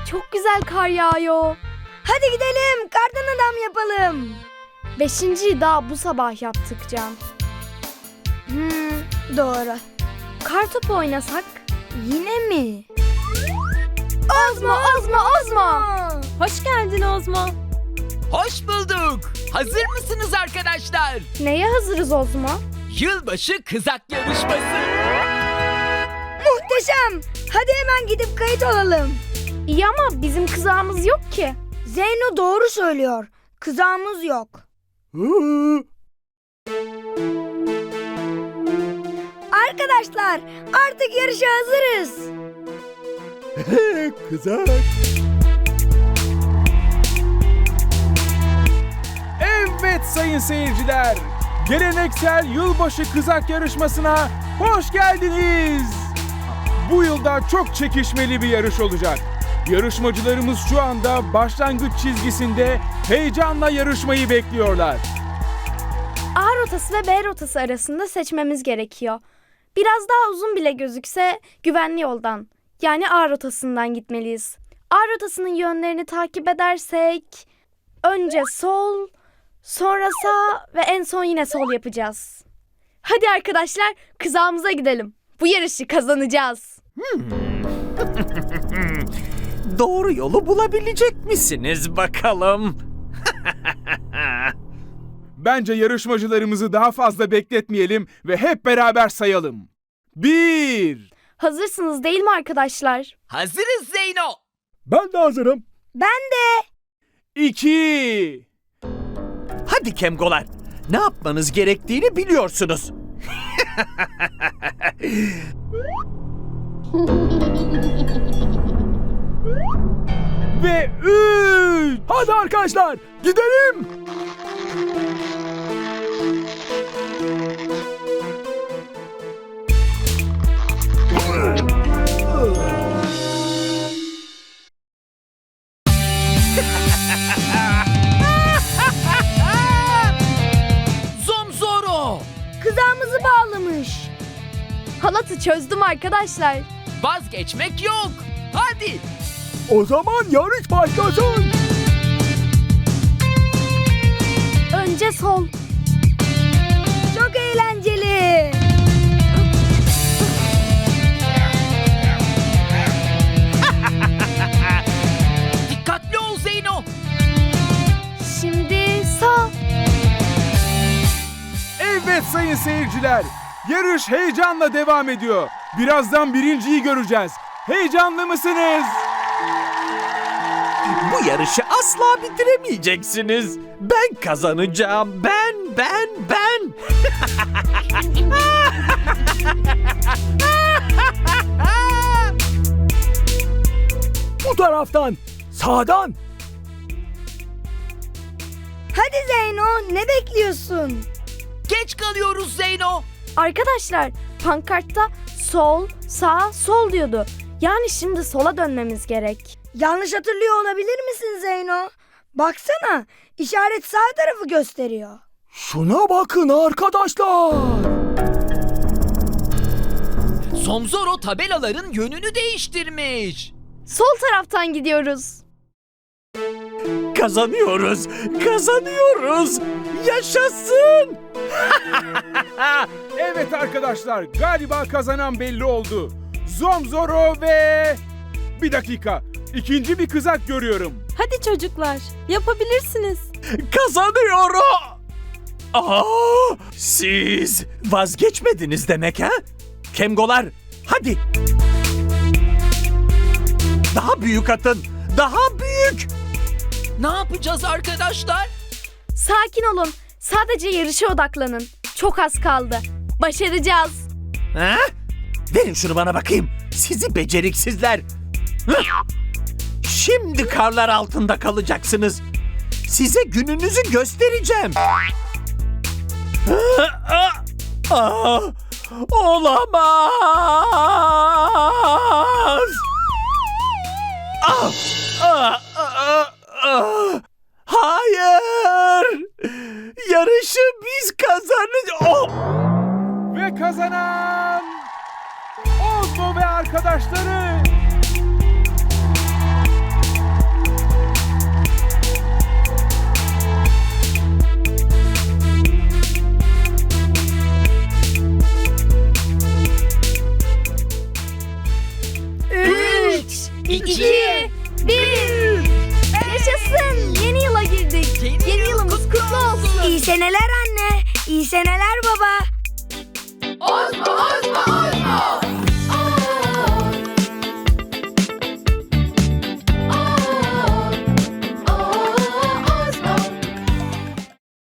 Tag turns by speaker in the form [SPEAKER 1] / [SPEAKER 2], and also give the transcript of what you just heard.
[SPEAKER 1] çok güzel kar yağıyor.
[SPEAKER 2] Hadi gidelim, kardan adam yapalım.
[SPEAKER 1] 5.'yi daha bu sabah yaptık Can.
[SPEAKER 2] Doğru.
[SPEAKER 1] Kar topu oynasak?
[SPEAKER 2] Yine mi?
[SPEAKER 1] Ozma!
[SPEAKER 3] Hoş geldin Ozmo.
[SPEAKER 4] Hoş bulduk. Hazır mısınız arkadaşlar?
[SPEAKER 1] Neye hazırız Ozma?
[SPEAKER 4] Yılbaşı kızak yarışması.
[SPEAKER 2] Muhteşem. Hadi hemen gidip kayıt olalım.
[SPEAKER 1] İyi ama bizim kızağımız yok ki.
[SPEAKER 2] Zeyno doğru söylüyor. Kızağımız yok. Arkadaşlar, artık yarışa hazırız.
[SPEAKER 5] Kızak. Evet sayın seyirciler, geleneksel yılbaşı kızak yarışmasına hoş geldiniz. Bu yılda çok çekişmeli bir yarış olacak. Yarışmacılarımız şu anda başlangıç çizgisinde heyecanla yarışmayı bekliyorlar.
[SPEAKER 1] A rotası ve B rotası arasında seçmemiz gerekiyor. Biraz daha uzun bile gözükse güvenli yoldan, yani A rotasından gitmeliyiz. A rotasının yönlerini takip edersek önce sol, sonra sağ ve en son yine sol yapacağız. Hadi arkadaşlar, kızağımıza gidelim. Bu yarışı kazanacağız.
[SPEAKER 6] Doğru yolu bulabilecek misiniz bakalım?
[SPEAKER 5] Bence yarışmacılarımızı daha fazla bekletmeyelim ve hep beraber sayalım. 1.
[SPEAKER 1] Hazırsınız değil mi arkadaşlar?
[SPEAKER 4] Hazırız Zeyno.
[SPEAKER 5] Ben de hazırım.
[SPEAKER 2] Ben de.
[SPEAKER 5] 2.
[SPEAKER 6] Hadi Kemgolar, ne yapmanız gerektiğini biliyorsunuz.
[SPEAKER 5] Ve 3. Hadi arkadaşlar, gidelim.
[SPEAKER 4] Zomzoro.
[SPEAKER 2] Kızağımızı bağlamış.
[SPEAKER 1] Halatı çözdüm arkadaşlar.
[SPEAKER 4] Vazgeçmek yok. Hadi.
[SPEAKER 5] O zaman yarış başlasın.
[SPEAKER 1] Önce sol.
[SPEAKER 2] Çok eğlenceli.
[SPEAKER 4] Dikkatli ol Zeyno.
[SPEAKER 1] Şimdi sağ.
[SPEAKER 5] Evet sayın seyirciler, yarış heyecanla devam ediyor. Birazdan birinciyi göreceğiz. Heyecanlı mısınız?
[SPEAKER 6] Bu yarışı asla bitiremeyeceksiniz. Ben kazanacağım. Ben.
[SPEAKER 5] Bu taraftan, sağdan.
[SPEAKER 2] Hadi Zeyno, ne bekliyorsun?
[SPEAKER 4] Geç kalıyoruz Zeyno.
[SPEAKER 1] Arkadaşlar, pankartta sol, sağ, sol diyordu. Yani şimdi sola dönmemiz gerek.
[SPEAKER 2] Yanlış hatırlıyor olabilir misin Zeyno? Baksana, işaret sağ tarafı gösteriyor.
[SPEAKER 5] Şuna bakın arkadaşlar.
[SPEAKER 4] Zomzoro tabelaların yönünü değiştirmiş.
[SPEAKER 1] Sol taraftan gidiyoruz.
[SPEAKER 6] Kazanıyoruz. Yaşasın.
[SPEAKER 5] Evet arkadaşlar, galiba kazanan belli oldu. Zomzoro ve... Bir dakika, ikinci bir kızak görüyorum.
[SPEAKER 3] Hadi çocuklar, yapabilirsiniz.
[SPEAKER 6] Kazanıyorum. Siz vazgeçmediniz demek ha? Kemgolar, hadi. Daha büyük atın. Daha büyük.
[SPEAKER 4] Ne yapacağız arkadaşlar?
[SPEAKER 1] Sakin olun. Sadece yarışa odaklanın. Çok az kaldı. Başaracağız.
[SPEAKER 6] Ha? Verin şunu bana bakayım. Sizi beceriksizler. Hıh! Şimdi karlar altında kalacaksınız. Size gününüzü göstereceğim. Olamaz. Hayır. Yarışı biz kazanacağız.
[SPEAKER 5] Ve kazanan... Ozmo ve arkadaşları...
[SPEAKER 1] 3, 2, 1. Yaşasın. Yeni yıla girdik. Yeni yılımız kutlu olsun.
[SPEAKER 2] İyi seneler anne. İyi seneler baba.
[SPEAKER 1] Osman!